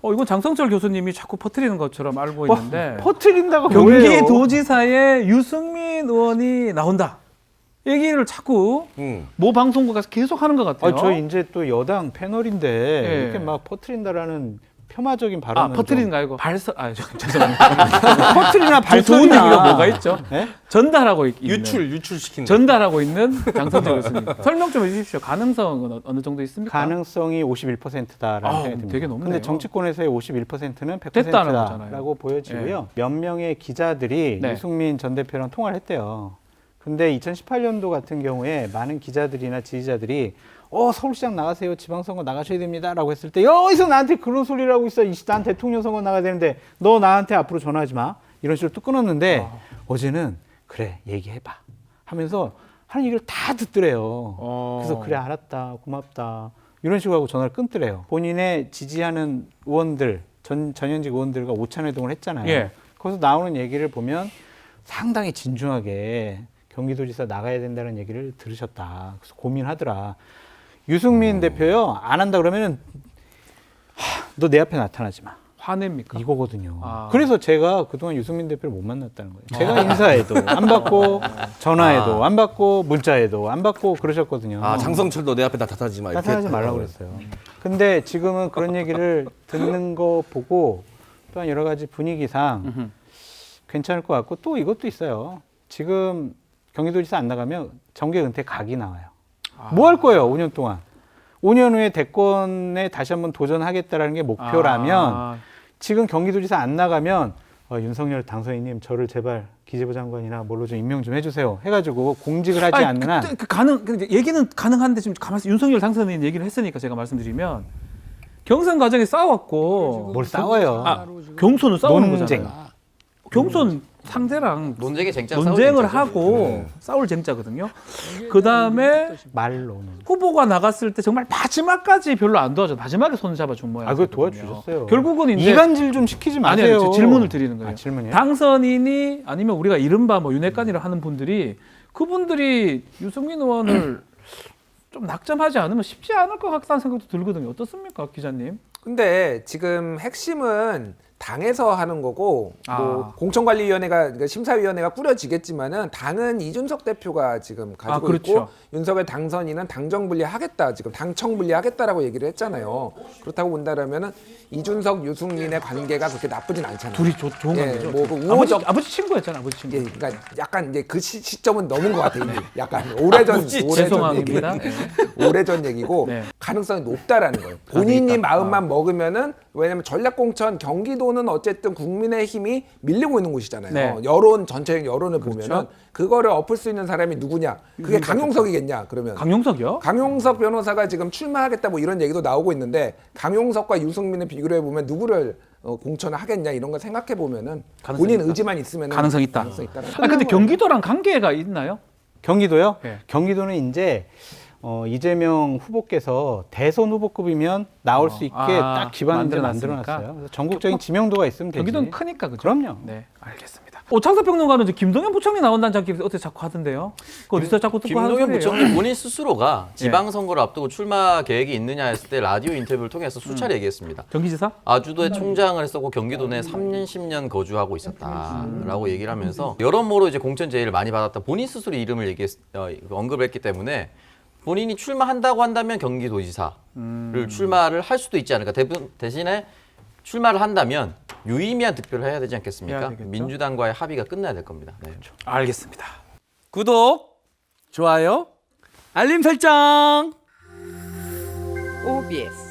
이건 장성철 교수님이 자꾸 퍼뜨리는 것처럼 알고 있는데 퍼뜨린다고 뭐예요? 경기도지사에 유승민 의원이 나온다. 얘기를 자꾸 모 방송국에서 계속 하는 것 같아요. 저희 이제 또 여당 패널인데 예. 이렇게 막 퍼뜨린다라는 폄하적인 발언은 퍼뜨리는 거 아니고 죄송합니다. 퍼뜨리나 더 좋은 발전이나 얘기가 뭐가 있죠? 네? 전달하고 있는 유출시킨다. 전달하고 있는 장성철 교수님. 설명 좀 해주십시오. 가능성은 어느 정도 있습니까? 가능성이 51%다라는 생각이 듭니다. 되게 높네요. 근데 정치권에서의 51%는 됐다는 거잖아요. 100%라고 보여지고요. 몇 명의 기자들이 네. 유승민 전 대표랑 통화를 했대요. 근데 2018년도 같은 경우에 많은 기자들이나 지지자들이 서울시장 나가세요. 지방선거 나가셔야 됩니다라고 했을 때 어디서 나한테 그런 소리를 하고 있어. 난 대통령 선거 나가야 되는데 너 나한테 앞으로 전화하지 마. 이런 식으로 뚝 끊었는데 어제는 그래 얘기해봐 하면서 하는 얘기를 다 듣더래요. 그래서 그래 알았다 고맙다 이런 식으로 하고 전화를 끊더래요. 본인의 지지하는 의원들 전현직 의원들과 오찬회동을 했잖아요. 예. 거기서 나오는 얘기를 보면 상당히 진중하게 경기도지사 나가야 된다는 얘기를 들으셨다. 그래서 고민하더라. 유승민 대표요 안 한다 그러면은 너 내 앞에 나타나지 마. 화냅니까? 이거거든요. 그래서 제가 그동안 유승민 대표를 못 만났다는 거예요. 제가 인사해도 안 받고 전화해도 안 받고 문자해도 안 받고 그러셨거든요. 장성철도 내 앞에 나타나지 마. 이렇게 나타나지 말라고 그랬어요. 근데 지금은 그런 얘기를 듣는 거 보고 또한 여러 가지 분위기상 괜찮을 것 같고 또 이것도 있어요. 지금 경기도지사 안 나가면 정계 은퇴 각이 나와요. 뭐 할 거예요, 5년 동안. 5년 후에 대권에 다시 한번 도전하겠다라는 게 목표라면 지금 경기도지사 안 나가면 윤석열 당선인님 저를 제발 기재부 장관이나 뭘로 좀 임명 좀 해주세요 해가지고 공직을 하지 않는 한 얘기는 가능한데 지금 가만히 윤석열 당선인 얘기를 했으니까 제가 말씀드리면 경선 과정에 싸웠고 뭘 싸워요. 경선은 싸우는 논쟁. 거잖아요. 경선 상대랑 논쟁을 논쟁을 하고 싸울 쟁자거든요. 그 다음에 말로는. 후보가 나갔을 때 정말 마지막까지 별로 안 도와줘. 마지막에 손 잡아준 모양. 그거 도와주셨어요. 결국은 이제 이간질 좀 시키지 마세요. 아니요, 질문을 드리는 거예요. 질문이요? 당선인이 아니면 우리가 이른바 윤핵관이라 하는 분들이 그분들이 유승민 의원을 좀 낙점하지 않으면 쉽지 않을 것 같다는 생각도 들거든요. 어떻습니까, 기자님? 근데 지금 핵심은 당에서 하는 거고 뭐 공천관리위원회가 그러니까 심사위원회가 꾸려지겠지만은 당은 이준석 대표가 지금 가지고 그렇죠. 있고 윤석열 당선인은 당정 분리하겠다 지금 당청 분리하겠다라고 얘기를 했잖아요. 그렇다고 본다라면은 이준석 유승민의 관계가 그렇게 나쁘진 않잖아요. 둘이 좋은 관계죠. 뭐 그 우호적 아버지 친구였잖아, 아버지 친구. 예, 그러니까 약간 이제 그 시점은 넘은 것 같아요. 이미. 약간 오래전 죄송합니다. 오래전 얘기고 네. 가능성이 높다라는 거예요. 본인이 마음만 먹으면은 왜냐면 전략공천 경기도는 어쨌든 국민의힘이 밀리고 있는 곳이잖아요. 네. 여론 전체적 여론을 보면은 그거를 엎을 수 있는 사람이 누구냐? 그게 강용석이겠냐? 그러면 강용석이요? 강용석 변호사가 지금 출마하겠다 뭐 이런 얘기도 나오고 있는데 강용석과 유승민을 비교를 해보면 누구를 공천을 하겠냐 이런 걸 생각해 보면은 본인 의지만 있으면 가능성 있다. 있다라는 근데 경기도랑 관계가 있나요? 경기도요? 네. 경기도는 이제 이재명 후보께서 대선 후보급이면 나올 수 있게 딱 기반을 만들어놨어요. 그래서 전국적인 지명도가 있으면 되지. 경기도는 크니까 그죠? 그럼요. 네, 알겠습니다. 창사평론가는 이제 김동연 부총리 나온다는 장기 어떻게 자꾸 하던데요? 그 어디서 자꾸 듣고 하는 김동연 소리예요? 부총리 본인 스스로가 지방선거를 앞두고 출마 계획이 있느냐 했을 때 라디오 인터뷰를 통해서 수차례 얘기했습니다. 경기지사? 아주도의 총장을 했었고 경기도 내 3년 10년 거주하고 있었다라고 얘기를 하면서 여러모로 이제 공천 제의를 많이 받았다. 본인 스스로 이름을 언급을 했기 때문에 본인이 출마한다고 한다면 경기도지사를 출마를 할 수도 있지 않을까. 대신에 출마를 한다면 유의미한 득표를 해야 되지 않겠습니까? 민주당과의 합의가 끝나야 될 겁니다. 네. 알겠습니다. 구독, 좋아요, 알림 설정. OBS